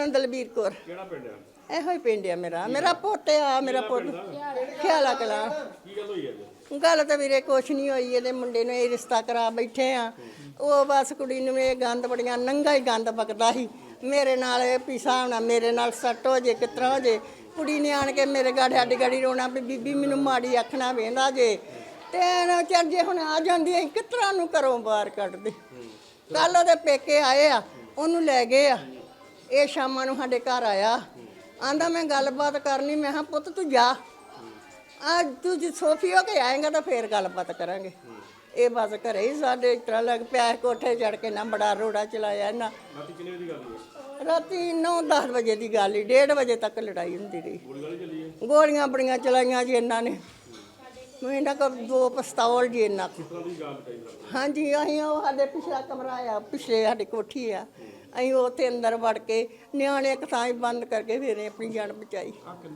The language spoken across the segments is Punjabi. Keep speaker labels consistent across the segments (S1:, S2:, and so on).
S1: ਦਲਬੀਰ ਕੌਰ।
S2: ਕਿਹੜਾ ਪਿੰਡ ਆ?
S1: ਇਹੋ ਹੀ ਪਿੰਡ ਆ ਮੇਰਾ ਪੁੱਤ ਆ। ਮੇਰਾ ਪੁੱਤ ਖਿਆਲਾ ਕਲਾਂ।
S2: ਕੀ ਗੱਲ ਹੋਈ ਅੱਜ?
S1: ਗੱਲ ਤਾਂ ਵੀਰੇ ਕੁਛ ਨਹੀਂ ਹੋਈ। ਇਹਦੇ ਮੁੰਡੇ ਨੂੰ ਇਹ ਰਿਸ਼ਤਾ ਕਰਾ ਬੈਠੇ ਆ। ਉਹ ਬਸ ਕੁੜੀ ਨੂੰ ਇਹ ਗੰਦ ਬੜੀਆਂ ਨੰਗਾ ਹੀ ਗੰਦ ਬਕਦਾ ਸੀ। ਮੇਰੇ ਨਾਲ ਇਹ ਪਿਸਾ ਹੋਣਾ, ਮੇਰੇ ਨਾਲ ਸੱਟ ਹੋ ਜੇ, ਕਿਸ ਤਰ੍ਹਾਂ ਹੋ ਜੇ। ਕੁੜੀ ਨੇ ਆਣ ਕੇ ਮੇਰੇ ਗਾੜੀ ਗਾੜੀ ਰੋਣਾ ਵੀ ਬੀਬੀ ਮੈਨੂੰ ਮਾੜੀ ਆਖਣਾ ਵੇਂਦਾ ਜੇ। ਤੇ ਚੱਲ ਜੇ ਹੁਣ ਆ ਜਾਂਦੀ ਅਸੀਂ ਕਿਸ ਤਰ੍ਹਾਂ ਨੂੰ ਘਰੋਂ ਬਾਹਰ ਕੱਢਦੇ। ਕੱਲ ਉਹਦੇ ਪੇਕੇ ਆਏ ਆ, ਉਹਨੂੰ ਲੈ ਗਏ ਆ। ਇਹ ਸ਼ਾਮਾਂ ਨੂੰ ਸਾਡੇ ਘਰ ਆਇਆ, ਆਂਦਾ ਮੈਂ ਗੱਲਬਾਤ ਕਰਨੀ। ਮੈਂ ਕਿਹਾ ਪੁੱਤ ਤੂੰ ਜਾ, ਅੱਜ ਤੂੰ ਜੇ ਸੋਫੀ ਹੋ ਕੇ ਆਏਗਾ ਤਾਂ ਫੇਰ ਗੱਲਬਾਤ ਕਰਾਂਗੇ। ਇਹ ਬਸ ਘਰੇ ਹੀ ਸਾਡੇ ਇਸ ਤਰ੍ਹਾਂ ਲੱਗ ਪਿਆ, ਕੋਠੇ ਚੜ ਕੇ ਨਾ ਬੜਾ ਰੋੜਾ ਚਲਾਇਆ ਇਹਨਾਂ।
S2: ਰਾਤੀ ਕਿੰਨੇ ਵਜੇ ਦੀ ਗੱਲ ਹੋਈ?
S1: ਰਾਤੀ 9-10 ਵਜੇ ਦੀ ਗੱਲ ਹੀ, 1:30 ਵਜੇ ਤੱਕ ਲੜਾਈ ਹੁੰਦੀ ਰਹੀ।
S2: ਗੋਲੀ ਚੱਲੀ ਹੈ?
S1: ਗੋਲੀਆਂ ਬੜੀਆਂ ਚਲਾਈਆਂ ਜੀ ਇਹਨਾਂ ਨੇ। ਇਹਨਾਂ ਕੋਲ 2 ਪਿਸਤੌਲ ਜੀ ਇਹਨਾਂ ਕੋਲ।
S2: ਕਿਸ ਤਰ੍ਹਾਂ ਦੀ ਗੱਲ ਕਹੀ ਸਰ?
S1: ਹਾਂਜੀ, ਅਸੀਂ ਉਹ ਸਾਡੇ ਪਿਛਲਾ ਕਮਰਾ ਆ, ਪਿਛਲੇ ਸਾਡੀ ਕੋਠੀ ਆ, ਅਸੀਂ ਉੱਥੇ ਅੰਦਰ ਵੜ ਕੇ ਨਿਆਣੇ ਇੱਕ ਥਾਂ ਹੀ ਬੰਦ ਕਰਕੇ ਫਿਰ ਆਪਣੀ ਜਾਨ ਬਚਾਈ।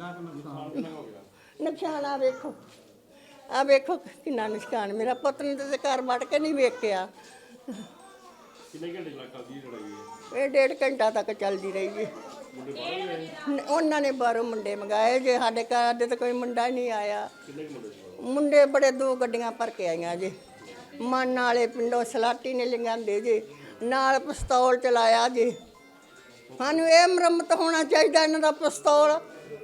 S1: ਨੁਕਸਾਨ ਆ ਵੇਖੋ, ਆ ਵੇਖੋ ਕਿੰਨਾ ਨੁਕਸਾਨ। ਮੇਰਾ ਪੁੱਤ ਨੇ ਤਾਂ ਘਰ ਵੜ ਕੇ ਨਹੀਂ ਵੇਖਿਆ।
S2: ਕਿੰਨੇ ਘੰਟੇ ਲੱਗ ਚੱਲਦੀ ਲੜਾਈ ਹੈ?
S1: ਇਹ 1.5 ਘੰਟਾ ਤੱਕ ਚੱਲਦੀ ਰਹੀ ਜੀ।
S2: ਮੁੰਡੇ ਬਾਹਰ ਹੀ ਆਏ?
S1: ਉਹਨਾਂ ਨੇ ਬਾਹਰੋਂ ਮੁੰਡੇ ਮੰਗਾਏ ਜੇ, ਸਾਡੇ ਘਰ ਦੇ ਤਾਂ ਕੋਈ ਮੁੰਡਾ ਨਹੀਂ ਆਇਆ।
S2: ਕਿੰਨੇ ਮੁੰਡੇ ਸੀ?
S1: ਮੁੰਡੇ ਬੜੇ 2 ਗੱਡੀਆਂ ਭਰ ਕੇ ਆਈਆਂ ਜੇ। ਮਨ ਵਾਲੇ ਪਿੰਡੋਂ ਸਲਾਟੀ ਨੇ ਲਿਆਂਦੇ ਜੇ, ਨਾਲ ਪਿਸਤੌਲ ਚਲਾਇਆ ਜੇ। ਸਾਨੂੰ ਇਹ ਮੁਰੰਮਤ ਹੋਣਾ ਚਾਹੀਦਾ ਇਹਨਾਂ ਦਾ ਪਿਸਤੌਲ।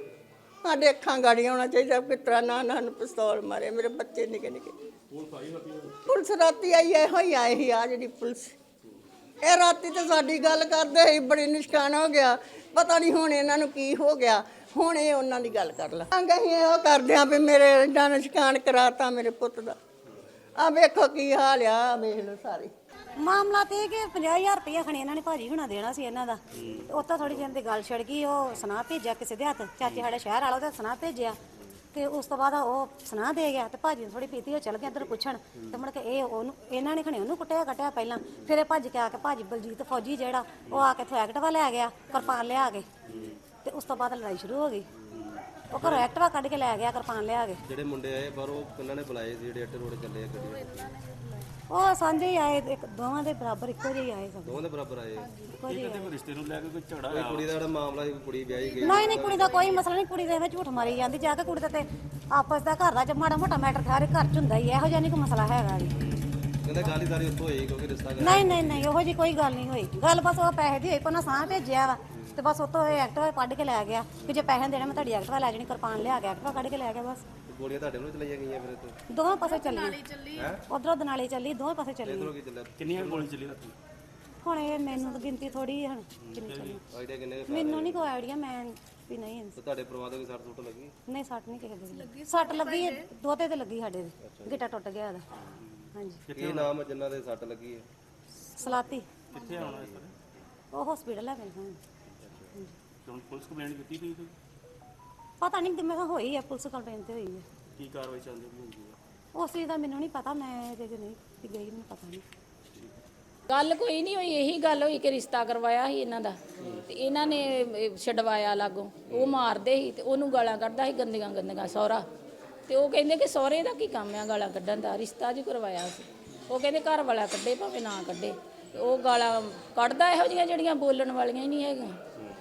S1: ਸਾਡੇ ਅੱਖਾਂ ਗਾੜੀਆਂ ਹੋਣਾ ਚਾਹੀਦਾ। ਕਿਸ ਤਰ੍ਹਾਂ ਨਾ ਸਾਨੂੰ ਪਿਸਤੌਲ ਮਾਰੇ। ਮੇਰੇ ਬੱਚੇ ਨਿੱਕੇ ਨਿੱਕੇ।
S2: ਪੁਲਿਸ ਆਈ ਰਾਤੀ?
S1: ਪੁਲਿਸ ਰਾਤੀ ਆਈ, ਇਹੋ ਹੀ ਆਏ ਸੀ ਆ ਜਿਹੜੀ ਪੁਲਿਸ। ਇਹ ਰਾਤੀ ਤੇ ਸਾਡੀ ਗੱਲ ਕਰਦੇ ਸੀ, ਬੜੀ ਨੁਕਸਾਨ ਹੋ ਗਿਆ। ਪਤਾ ਨਹੀਂ ਹੁਣ ਇਹਨਾਂ ਨੂੰ ਕੀ ਹੋ ਗਿਆ। ਹੁਣ ਇਹ ਉਹਨਾਂ ਦੀ ਗੱਲ ਕਰ ਲਾ। ਅਸੀਂ ਇਹੋ ਕਰਦੇ ਹਾਂ ਵੀ ਮੇਰੇ ਏਡਾ ਨੁਕਸਾਨ ਕਰਾਤਾ ਮੇਰੇ ਪੁੱਤ ਦਾ। ਆ ਵੇਖੋ ਕੀ ਹਾਲ ਆ, ਵੇਖ ਲਓ ਸਾਰੇ।
S3: ਮਾਮਲਾ ਤੇ ਕਿ 50,000 ਰੁਪਇਆ ਖਣੀ ਇਹਨਾਂ ਨੇ ਭਾਜੀ ਹੁਣਾ ਦੇਣਾ ਸੀ ਇਹਨਾਂ ਦਾ। ਉੱਤੋਂ ਥੋੜੀ ਜਿਹੀ ਦੀ ਗੱਲ ਛੜ ਗਈ। ਉਹ ਸੁਨਾਹ ਭੇਜਿਆ ਕਿਸੇ ਦੇ ਹੱਥ, ਚਾਚੇ ਸਾਡੇ ਸ਼ਹਿਰ ਵਾਲਾ ਉਹਦਾ ਸੁਨਾਹ ਭੇਜਿਆ। ਤੇ ਉਸ ਤੋਂ ਬਾਅਦ ਉਹ ਸੁਨਾਹ ਦੇ ਗਿਆ ਤੇ ਭਾਜੀ ਨੂੰ ਥੋੜੀ ਪੀਤੀ, ਉਹ ਚਲ ਗਿਆ ਇੱਧਰ ਪੁੱਛਣ। ਤੇ ਮੁੜ ਕੇ ਇਹਨਾਂ ਨੇ ਖਣੇ ਉਹਨੂੰ ਕੱਟਿਆ ਪਹਿਲਾਂ। ਫਿਰ ਇਹ ਭੱਜ ਕੇ ਆ ਕੇ ਭਾਜੀ ਬਲਜੀਤ ਫੌਜੀ ਜਿਹੜਾ, ਉਹ ਆ ਕੇ ਇੱਥੋਂ ਐਕਟਿਵਾ ਲੈ ਗਿਆ, ਕਿਰਪਾਨ ਲਿਆ ਕੇ। ਤੇ ਉਸ ਤੋਂ ਬਾਅਦ ਲੜਾਈ ਸ਼ੁਰੂ ਹੋ ਗਈ। ਉਹ ਘਰੋਂ ਐਕਟਿਵਾ ਕੱਢ ਕੇ ਲੈ ਗਿਆ, ਕਿਰਪਾਨ ਲਿਆ ਕੇ।
S4: ਜਿਹੜੇ ਮੁੰਡੇ ਆਏ ਬਾਹਰੋਂ ਕਿੰਨਾਂ ਨੇ ਬੁਲਾਏ ਸੀ? ਜਿਹੜੇ ਅੱਟੇ ਰੋਡ ਚੱਲੇ ਆ ਗੱਡੀਆਂ?
S3: ਉਹ ਸਾਂਝੇ ਹੀ ਆਏ, ਦੋਵਾਂ ਦੇ ਬਰਾਬਰ ਇੱਕੋ ਜਿਹੇ ਆਏ ਸਭ।
S4: ਦੋਵਾਂ ਦੇ ਬਰਾਬਰ ਆਏ?
S3: ਇੱਕੋ ਜਿਹੇ ਆਏ।
S2: ਰਿਸ਼ਤੇ ਨੂੰ ਲੈ ਕੇ ਕੋਈ ਝਗੜਾ
S4: ਕੋਈ ਕੁੜੀ ਦਾ ਜਿਹੜਾ ਮਾਮਲਾ ਸੀ, ਕੁੜੀ ਵਿਆਹੀ ਗਈ?
S3: ਨਹੀਂ ਕੁੜੀ ਦਾ ਕੋਈ ਮਸਲਾ ਨਹੀਂ। ਕੁੜੀ ਦੇ ਐਵੇਂ ਝੂਠ ਮਾਰੀ ਜਾਂਦੀ ਜਾ ਕੇ। ਕੁੜੀ ਦਾ ਤੇ ਆਪਸ ਦਾ ਘਰ ਦਾ ਮਾੜਾ ਮੋਟਾ ਮੈਟਰ ਸਾਰੇ ਘਰ ਚ ਹੁੰਦਾ ਹੀ, ਇਹੋ ਜਿਹਾ ਨਹੀਂ ਕੋਈ ਮਸਲਾ ਹੈਗਾ ਜੀ।
S4: ਕਹਿੰਦੇ ਗਾਲੀਦਾਰੀ ਉੱਥੋਂ ਹੋਈ ਕਿਉਂਕਿ ਰਿਸ਼ਤਾ ਕਰ।
S3: ਨਹੀਂ ਉਹੋ ਜੀ ਕੋਈ ਗੱਲ ਨਹੀਂ ਹੋਈ। ਗੱਲ ਬਸ ਉਹ ਪੈਸੇ ਦੀ ਹੋਈ, ਪਰ ਨਾ ਸਾਹ ਭੇਜਿਆ ਵਾ ਤੇ ਬਸ ਉੱਥੋਂ ਇਹ ਐਕਟਿਵਾ ਕੱਢ ਕੇ ਲੈ ਗਿਆ ਕਿ ਜੇ ਪੈਸੇ ਦੇਣੇ ਮੈਂ ਤੁਹਾਡੀ ਐਕਟਿਵਾ ਲੈ ਜਾਣੀ। ਕਿਰਪਾਨ ਲਿਆ ਕੇ ਐਕਟਿਵਾ ਕੱਢ ਕੇ ਲੈ ਗਿਆ ਬਸ।
S4: ਗੋਲੀਆਂ ਤੁਹਾਡੇ ਨੂੰ ਚਲਾਈਆਂ ਗਈਆਂ ਫਿਰ ਇੱਥੇ?
S3: ਦੋਵਾਂ ਪਾਸੇ ਚੱਲੀ, ਉਧਰੋਂ ਦਨਾਲੇ ਚੱਲੀ, ਦੋਵੇਂ ਪਾਸੇ ਚੱਲੀ।
S4: ਇਧਰੋਂ ਕੀ ਚੱਲਿਆ?
S2: ਕਿੰਨੀਆਂ ਗੋਲੀ ਚੱਲੀ ਰਾਤੀ?
S3: ਹੁਣ ਇਹ ਮੈਨੂੰ ਤਾਂ ਗਿਣਤੀ ਥੋੜੀ ਹੁਣ ਕਿੰਨੀ ਚੱਲੀ
S4: ਆਈਡੀਆ ਕਿੰਨੇ?
S3: ਮੈਨੂੰ ਨਹੀਂ ਕੋਈ ਆਈਡੀਆ। ਮੈਂ ਵੀ ਨਹੀਂ
S4: ਤੁਹਾਡੇ ਪਰਿਵਾਰ ਦੇ ਕੋਈ ਸੱਟ ਸੁੱਟ ਲੱਗੀ?
S3: ਨਹੀਂ ਸੱਟ ਨਹੀਂ ਕਿਸੇ ਦੀ ਲੱਗੀ। ਸੱਟ ਲੱਗੀ ਹੈ ਦੋਤੇ ਤੇ ਲੱਗੀ, ਸਾਡੇ ਦੇ ਗਿੱਟਾ ਟੁੱਟ ਗਿਆ ਉਹਦਾ। ਹਾਂਜੀ।
S4: ਕੀ ਨਾਮ ਜਿਨ੍ਹਾਂ ਦੇ ਸੱਟ ਲੱਗੀ ਹੈ?
S3: ਸਲਾਤੀ।
S2: ਕਿੱਥੇ ਆਉਣਾ ਸਰ?
S3: ਉਹ ਹਸਪੀਟਲ ਹੈ ਮੇਰੇ ਕੋਲ।
S2: ਹੁਣ ਪੁਲਿਸ ਕੰਪਲੇਂਟ ਕੀਤੀ ਤੁਸੀਂ?
S3: ਪਤਾ ਨਹੀਂ ਮੈਂ ਕਿਹਾ ਹੋਈ ਹੈ, ਪੁਲਿਸ ਕੰਪਲੇਂਟ ਤੇ ਹੋਈ ਹੈ।
S2: ਕੀ ਕਾਰਵਾਈ ਚੱਲਦੀ ਹੁੰਦੀ ਹੈ?
S3: ਉਸ ਚੀਜ਼ ਦਾ ਮੈਨੂੰ ਨਹੀਂ ਪਤਾ, ਮੈਂ ਇਹਦੇ 'ਚ ਨਹੀਂ ਗਈ, ਮੈਨੂੰ ਪਤਾ ਨਹੀਂ।
S5: ਗੱਲ ਕੋਈ ਨਹੀਂ ਹੋਈ, ਇਹੀ ਗੱਲ ਹੋਈ ਕਿ ਰਿਸ਼ਤਾ ਕਰਵਾਇਆ ਸੀ ਇਹਨਾਂ ਦਾ ਤੇ ਇਹਨਾਂ ਨੇ ਛਡਵਾਇਆ ਲਾਗੋਂ। ਉਹ ਮਾਰਦੇ ਸੀ ਤੇ ਉਹਨੂੰ ਗਾਲਾਂ ਕੱਢਦਾ ਸੀ ਗੰਦੀਆਂ ਸਹੁਰਾ। ਤੇ ਉਹ ਕਹਿੰਦੇ ਕਿ ਸਹੁਰੇ ਦਾ ਕੀ ਕੰਮ ਆ ਗਾਲਾਂ ਕੱਢਣ ਦਾ, ਰਿਸ਼ਤਾ ਜੀ ਕਰਵਾਇਆ ਸੀ। ਉਹ ਕਹਿੰਦੇ ਘਰ ਵਾਲਾ ਕੱਢੇ ਭਾਵੇਂ ਨਾ ਕੱਢੇ। ਉਹ ਗਾਲਾਂ ਕੱਢਦਾ ਇਹੋ ਜਿਹੀਆਂ ਜਿਹੜੀਆਂ ਬੋਲਣ ਵਾਲੀਆਂ ਹੀ ਨਹੀਂ ਹੈਗੀਆਂ।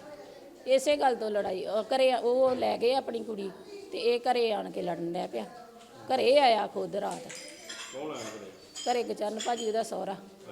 S5: ਇਸੇ ਗੱਲ ਤੋਂ ਲੜਾਈ ਘਰੇ ਉਹ ਲੈ ਗਏ ਆਪਣੀ ਕੁੜੀ ਤੇ ਇਹ ਘਰੇ ਆਣ ਕੇ ਲੜਨ ਲੱਗ ਪਿਆ। ਘਰੇ ਆਇਆ ਖੁਦ ਰਾਤ।
S2: ਕੌਣ ਆਇਆ ਘਰੇ?
S5: ਘਰੇ ਗਚਰਨ ਭਾਜੀ ਉਹਦਾ ਸਹੁਰਾ।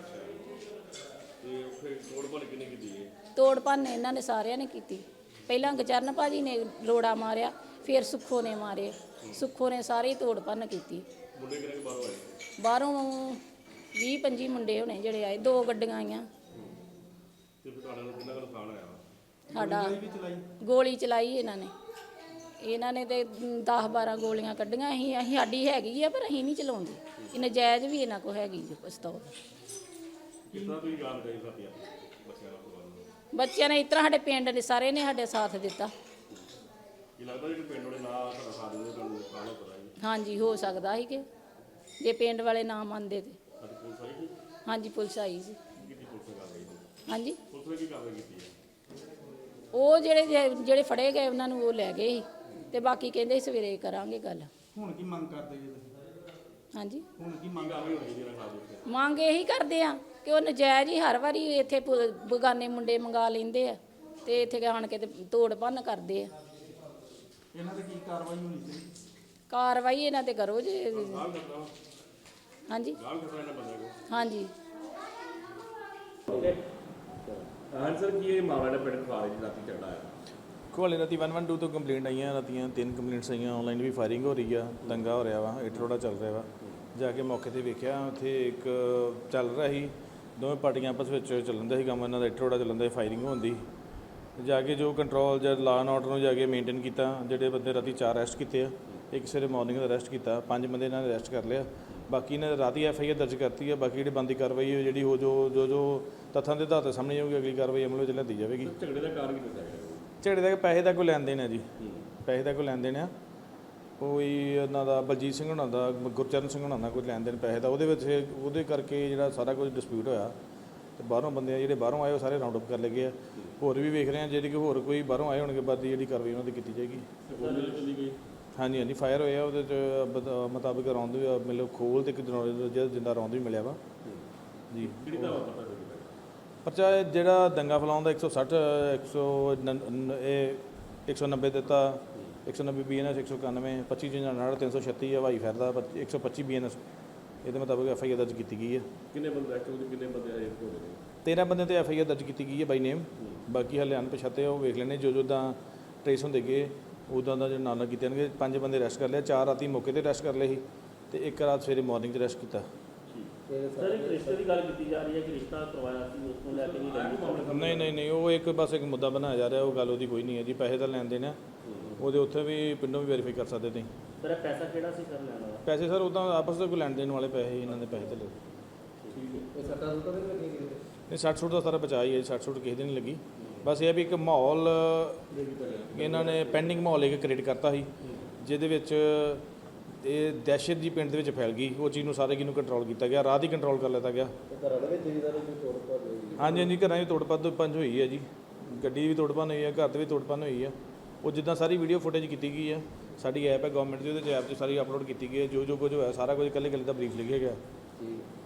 S2: ਤੇ ਫਿਰ ਤੋੜ ਭੰਨ ਕਿੰਨੇ ਕੀਤੀ ਹੈ?
S5: ਤੋੜ ਭੰਨ ਇਹਨਾਂ ਨੇ ਸਾਰਿਆਂ ਨੇ ਕੀਤੀ। ਪਹਿਲਾਂ ਗਚਰਨ ਭਾਜੀ ਨੇ ਰੋੜਾ ਮਾਰਿਆ, ਫਿਰ ਸੁੱਖੋ ਨੇ ਮਾਰੇ। ਸੁੱਖੋ ਨੇ ਸਾਰੀ ਤੋੜ ਭੰਨ ਕੀਤੀ।
S2: ਮੁੰਡੇ ਕਿੰਨੇ ਬਾਹਰੋਂ ਆਏ?
S5: ਬਾਹਰੋਂ 20-25 ਮੁੰਡੇ ਹੋਣੇ ਜਿਹੜੇ ਆਏ। 2 ਗੱਡੀਆਂ ਆਈਆਂ।
S2: ਤੇ ਫਿਰ ਤੁਹਾਡੇ ਨਾਲ ਕਿੰਨਾ ਕੁ ਨੁਕਸਾਨ ਆਇਆ?
S5: ਸਾਡਾ ਗੋਲੀ ਚਲਾਈ ਇਹਨਾਂ ਨੇ ਤੇ 10-12 ਗੋਲੀਆਂ ਕੱਢੀਆਂ। ਅਸੀਂ ਸਾਡੀ ਹੈਗੀ ਆ ਪਰ ਅਸੀਂ ਨਹੀਂ ਚਲਾਉਂਦੇ। ਇਹ ਨਜਾਇਜ਼ ਵੀ ਇਹਨਾਂ ਕੋਲ ਹੈਗੀ ਜੀ ਪਿਸਤੌਲ।
S2: ਕਿੰਨਾ ਤੁਸੀਂ ਗੱਲ ਕਰੀ ਸਾਥੀਆਂ ਬੱਚਿਆਂ ਨਾਲ?
S5: ਬੱਚਿਆਂ ਨੇ ਇਸ ਤਰ੍ਹਾਂ ਸਾਡੇ ਪਿੰਡ ਦੇ ਸਾਰੇ ਨੇ ਸਾਡੇ ਸਾਥ ਦਿੱਤਾ।
S2: ਕੀ ਲੱਗਦਾ ਕਿ ਪਿੰਡ ਵਾਲੇ ਨਾ ਤੁਹਾਡਾ ਸਾਥ ਦਿੰਦੇ ਤੁਹਾਨੂੰ ਨੁਕਸਾਨ ਹੋ ਪਤਾ ਜੀ?
S5: ਹਾਂਜੀ ਹੋ ਸਕਦਾ ਸੀ ਕਿ ਜੇ ਪਿੰਡ ਵਾਲੇ ਨਾ ਮੰਨਦੇ ਤੇ।
S2: ਅੱਜ ਪੁਲਿਸ ਆਈ ਸੀ?
S5: ਹਾਂਜੀ ਪੁਲਿਸ ਆਈ ਸੀ।
S2: ਕਿੰਨੀ ਪੁਲਿਸ ਨੇ ਕਾਰਵਾਈ ਕੀਤੀ?
S5: ਹਾਂਜੀ
S2: ਪੁਲਿਸ ਨੇ ਕੀ ਕਾਰਵਾਈ ਕੀਤੀ ਹੈ?
S5: ਉਹ ਜਿਹੜੇ ਫੜੇ ਗਏ ਉਹਨਾਂ ਨੂੰ ਉਹ ਲੈ ਗਏ ਸੀ ਤੇ ਬਾਕੀ ਕਹਿੰਦੇ ਸਵੇਰੇ ਕਰਾਂਗੇ ਗੱਲ।
S6: ਹੁਣ ਕੀ ਮੰਗ ਕਰਦੇ ਜੀ ਤੁਸੀਂ?
S5: ਹਾਂਜੀ
S6: ਹੁਣ ਕੀ ਮੰਗ
S2: ਕਾਰਵਾਈ ਹੋਣੀ ਚਾਹੀਦੀ ਇਹਨਾਂ ਖਿਲਾਫ?
S5: ਮੰਗ ਇਹੀ ਕਰਦੇ ਆ ਕਿ ਉਹ ਨਜਾਇਜ਼ ਹੀ ਹਰ ਵਾਰੀ ਇੱਥੇ ਬਗਾਨੇ ਮੁੰਡੇ ਮੰਗਾ ਲੈਂਦੇ ਆ ਤੇ ਇੱਥੇ ਆਣ ਕੇ ਤੇ ਤੋੜ ਭੰਨ ਕਰਦੇ ਆ।
S6: ਇਹਨਾਂ ਤੇ ਕੀ ਕਾਰਵਾਈ ਹੋਣੀ ਚਾਹੀਦੀ?
S5: ਕਾਰਵਾਈ ਇਹਨਾਂ ਤੇ ਕਰੋ ਜੀ। ਹਾਂਜੀ ਹਾਂਜੀ।
S2: ਹਾਂ ਸਰ, ਕੀ ਇਹ ਮਾਮਲਾ ਦਾ ਪਿੰਡ ਖਾਰੇ ਦੀ ਰਾਤੀ ਝਗੜਾ ਆਇਆ?
S7: ਕੋਲੇ ਰਾਤੀ 112 ਤੋਂ ਕੰਪਲੇਂਟ ਆਈਆਂ, ਰਾਤੀਆਂ 3 ਕੰਪਲੇਂਟਸ ਆਈਆਂ। ਆਨਲਾਈਨ ਵੀ ਫਾਇਰਿੰਗ ਹੋ ਰਹੀ ਆ, ਦੰਗਾ ਹੋ ਰਿਹਾ ਵਾ, ਇੱਟ ਰੋੜਾ ਚੱਲ ਰਿਹਾ ਵਾ। ਜਾ ਕੇ ਮੌਕੇ ਤੇ ਵੇਖਿਆ, ਉੱਥੇ ਇੱਕ ਚੱਲ ਰਿਹਾ ਸੀ, ਦੋਵੇਂ ਪਾਰਟੀਆਂ ਆਪਸ ਵਿੱਚ ਚੱਲਣ ਦਾ ਸੀ ਕੰਮ, ਇਹਨਾਂ ਦਾ ਇੱਟ ਰੋੜਾ ਚੱਲਣ ਦਾ, ਫਾਇਰਿੰਗ ਹੁੰਦੀ। ਜਾ ਕੇ ਜੋ ਕੰਟਰੋਲ ਜਾਂ ਲਾ ਐਂਡ ਆਰਡਰ ਨੂੰ ਜਾ ਕੇ ਮੇਨਟੇਨ ਕੀਤਾ। ਜਿਹੜੇ ਬੰਦੇ ਰਾਤੀ 4 ਅਰੈਸਟ ਕੀਤੇ ਆ, ਇੱਕ ਸਵੇਰੇ ਮਾਰਨਿੰਗ ਦਾ ਅਰੈਸਟ ਕੀਤਾ, 5 ਬੰਦੇ ਇਹਨਾਂ ਨੇ ਅਰੈਸਟ ਕਰ ਲਿਆ। ਬਾਕੀ ਇਹਨਾਂ ਨੇ ਰਾਤੀ FIR ਦਰਜ ਕਰਤੀ ਹੈ। ਬਾਕੀ ਜਿਹੜੀ ਬੰਦੀ ਕਾਰਵਾਈ ਹੈ, ਜਿਹੜੀ ਉਹ ਜੋ ਤੱਥਾਂ ਦੇ ਆਧਾਰ 'ਤੇ ਸਾਹਮਣੇ ਆਊਗੀ, ਅਗਲੀ ਕਾਰਵਾਈ ਅਮਲ ਵਿੱਚ ਲਿਆਂਦੀ ਜਾਵੇਗੀ।
S2: ਝਗੜੇ ਦਾ ਕਾਰਨ ਕੀ ਦੱਸਿਆ ਗਿਆ?
S7: ਝਗੜੇ ਦਾ ਪੈਸੇ ਦਾ ਕੋਈ ਲੈਣ ਦੇਣ ਹੈ ਜੀ, ਪੈਸੇ ਦਾ ਕੋਈ ਲੈਣ ਦੇਣ ਆ। ਕੋਈ ਇਹਨਾਂ ਦਾ ਬਲਜੀਤ ਸਿੰਘ ਹੋਣਾ ਦਾ, ਗੁਰਚਰਨ ਸਿੰਘ ਹੋਣਾ ਦਾ ਕੋਈ ਲੈਣ ਦੇਣ ਪੈਸੇ ਦਾ, ਉਹਦੇ ਵਿੱਚ ਉਹਦੇ ਕਰਕੇ ਜਿਹੜਾ ਸਾਰਾ ਕੁਝ ਡਿਸਪਿਊਟ ਹੋਇਆ। ਤੇ ਬਾਹਰੋਂ ਬੰਦੇ ਆ ਜਿਹੜੇ ਬਾਹਰੋਂ ਆਏ, ਉਹ ਸਾਰੇ ਰਾਉਂਡ ਅਪ ਕਰ ਲਏ ਗਏ ਆ। ਹੋਰ ਵੀ ਵੇਖ ਰਹੇ ਆ, ਜਿਹੜੀ ਕਿ ਹੋਰ ਕੋਈ ਬਾਹਰੋਂ ਆਏ ਹੋਣਗੇ, ਬਾਅਦ ਦੀ ਜਿਹੜੀ ਕਾਰਵਾਈ ਉਹਨਾਂ ਦੀ ਕੀਤੀ ਜਾਏਗੀ। ਹਾਂਜੀ ਹਾਂਜੀ, ਫਾਇਰ ਹੋਇਆ ਉਹਦੇ 'ਚ ਮੁਤਾਬਕ ਰੌਂਦ ਵੀ ਮਤਲਬ ਖੋਲ ਤੇ ਇੱਕ ਜਿੰਦਾ ਰੌਂਦ ਵੀ ਮਿਲਿਆ ਵਾ ਜੀ। ਪਰਚਾ ਜਿਹੜਾ ਦੰਗਾ ਫੈਲਾਉਣ ਦਾ 160 190 ਦਿੱਤਾ, 190 BNS 191, 25 59 336 ਹਵਾਈ ਫਾਇਰ ਦਾ 125 BNS। ਇਹਦੇ ਮੁਤਾਬਕ FIR ਦਰਜ ਕੀਤੀ ਗਈ ਹੈ।
S2: ਕਿੰਨੇ ਬੰਦੇ ਐਕਚੁਅਲੀ ਕਿੰਨੇ ਬੰਦੇ ਆਏ ਹੋ ਗਏ?
S7: 13 ਬੰਦੇ ਤੇ FIR ਦਰਜ ਕੀਤੀ ਗਈ ਹੈ ਬਾਈ ਨੇਮ। ਬਾਕੀ ਹਾਲੇ ਅਣਪਛਾਤੇ ਉਹ ਵੇਖ ਲੈਣੇ, ਜੋ ਤਾਂ ਟਰੇਸ ਹੁੰਦੇ ਗਏ ਉੱਦਾਂ ਦਾ ਜਿਹੜਾ ਨਾਲ ਕੀਤੇ ਜਾਣਗੇ। 5 ਬੰਦੇ ਅਰੈਸਟ ਕਰ ਲਿਆ, 4 ਰਾਤੀ ਮੌਕੇ ਤੇ ਅਰੈਸਟ ਕਰ ਲਏ ਸੀ ਤੇ 1 ਰਾਤ ਸਵੇਰੇ ਮਾਰਨਿੰਗ 'ਚ ਅਰੈਸਟ ਕੀਤਾ।
S8: ਸਰ, ਇੱਕ ਰਿਸ਼ਤੇ ਦੀ ਗੱਲ ਕੀਤੀ ਜਾ ਰਹੀ ਹੈ ਕਿ ਰਿਸ਼ਤਾ ਕਰਵਾਇਆ ਸੀ, ਉਸ ਨੂੰ ਲੈ ਕੇ
S7: ਨਹੀਂ, ਉਹ ਇੱਕ ਬਸ ਇੱਕ ਮੁੱਦਾ ਬਣਾਇਆ ਜਾ ਰਿਹਾ। ਉਹ ਗੱਲ ਉਹਦੀ ਕੋਈ ਨਹੀਂ ਹੈ ਜੀ। ਪੈਸੇ ਤਾਂ ਲੈਣ ਦੇਣ ਆ, ਉਹਦੇ ਉੱਥੇ ਵੀ ਪਿੰਡੋਂ ਵੀ ਵੈਰੀਫਾਈ ਕਰ ਸਕਦੇ ਤੁਸੀਂ।
S8: ਸਰ, ਇਹ ਪੈਸਾ ਕਿਹੜਾ ਸੀ ਸਰ ਲੈਣ ਵਾਲਾ?
S7: ਪੈਸੇ ਸਰ ਉੱਦਾਂ ਆਪਸ ਵਿੱਚ ਕੋਈ ਲੈਣ ਦੇਣ ਵਾਲੇ ਪੈਸੇ, ਇਹਨਾਂ ਦੇ ਪੈਸੇ ਤੇ ਲਏ।
S4: ਇਹ ਸੱਟਾਂ ਸੁੱਟਾਂ ਤੇ ਨਹੀਂ ਲੱਗੀਆਂ ਕਿਸੇ ਦੇ?
S7: ਨਹੀਂ, 60 ਸੁੱਟ ਦਾ ਸਾਰਾ ਬਚਾ ਹੀ ਹੈ। 60 ਸੁੱਟ ਕਿਸੇ ਦੀ ਨਹੀਂ ਲੱਗੀ। ਬਸ ਇਹ ਵੀ ਇੱਕ ਮਾਹੌਲ ਇਹਨਾਂ ਨੇ ਪੈਂਡਿੰਗ ਮਾਹੌਲ ਇੱਕ ਕ੍ਰੀਏਟ ਕਰਤਾ ਸੀ, ਜਿਹਦੇ ਵਿੱਚ ਇਹ ਦਹਿਸ਼ਤ ਜੀ ਪਿੰਡ ਦੇ ਵਿੱਚ ਫੈਲ ਗਈ। ਉਹ ਚੀਜ਼ ਨੂੰ ਸਾਰੇ ਨੂੰ ਕੰਟਰੋਲ ਕੀਤਾ ਗਿਆ, ਰਾਤ ਹੀ ਕੰਟਰੋਲ ਕਰ ਲਿੱਤਾ ਗਿਆ।
S4: ਘਰਾਂ ਦੇ ਵਿੱਚ ਜਿਹਦਾ ਕੋਈ ਤੋੜ ਭੰਨ ਹੋਈ?
S7: ਹਾਂਜੀ, ਘਰਾਂ 'ਚ ਤੋੜ ਭੰਨ ਹੋਈ ਹੈ ਜੀ। ਗੱਡੀ ਵੀ ਤੋੜ ਭੰਨ ਹੋਈ ਹੈ, ਘਰ 'ਤੇ ਵੀ ਤੋੜ ਭੰਨ ਹੋਈ ਹੈ। ਉਹ ਜਿੱਦਾਂ ਸਾਰੀ ਵੀਡੀਓ ਫੁਟੇਜ ਕੀਤੀ ਗਈ ਹੈ, ਸਾਡੀ ਐਪ ਹੈ ਗਵਰਨਮੈਂਟ ਦੀ, ਉਹਦੇ 'ਚ ਐਪ 'ਚ ਸਾਰੀ ਅਪਲੋਡ ਕੀਤੀ ਗਈ ਹੈ। ਜੋ ਕੁਝ ਹੋਇਆ ਸਾਰਾ ਕੁਝ ਇਕੱਲੇ ਦਾ ਬਰੀਫ ਲਿਖਿਆ ਗਿਆ।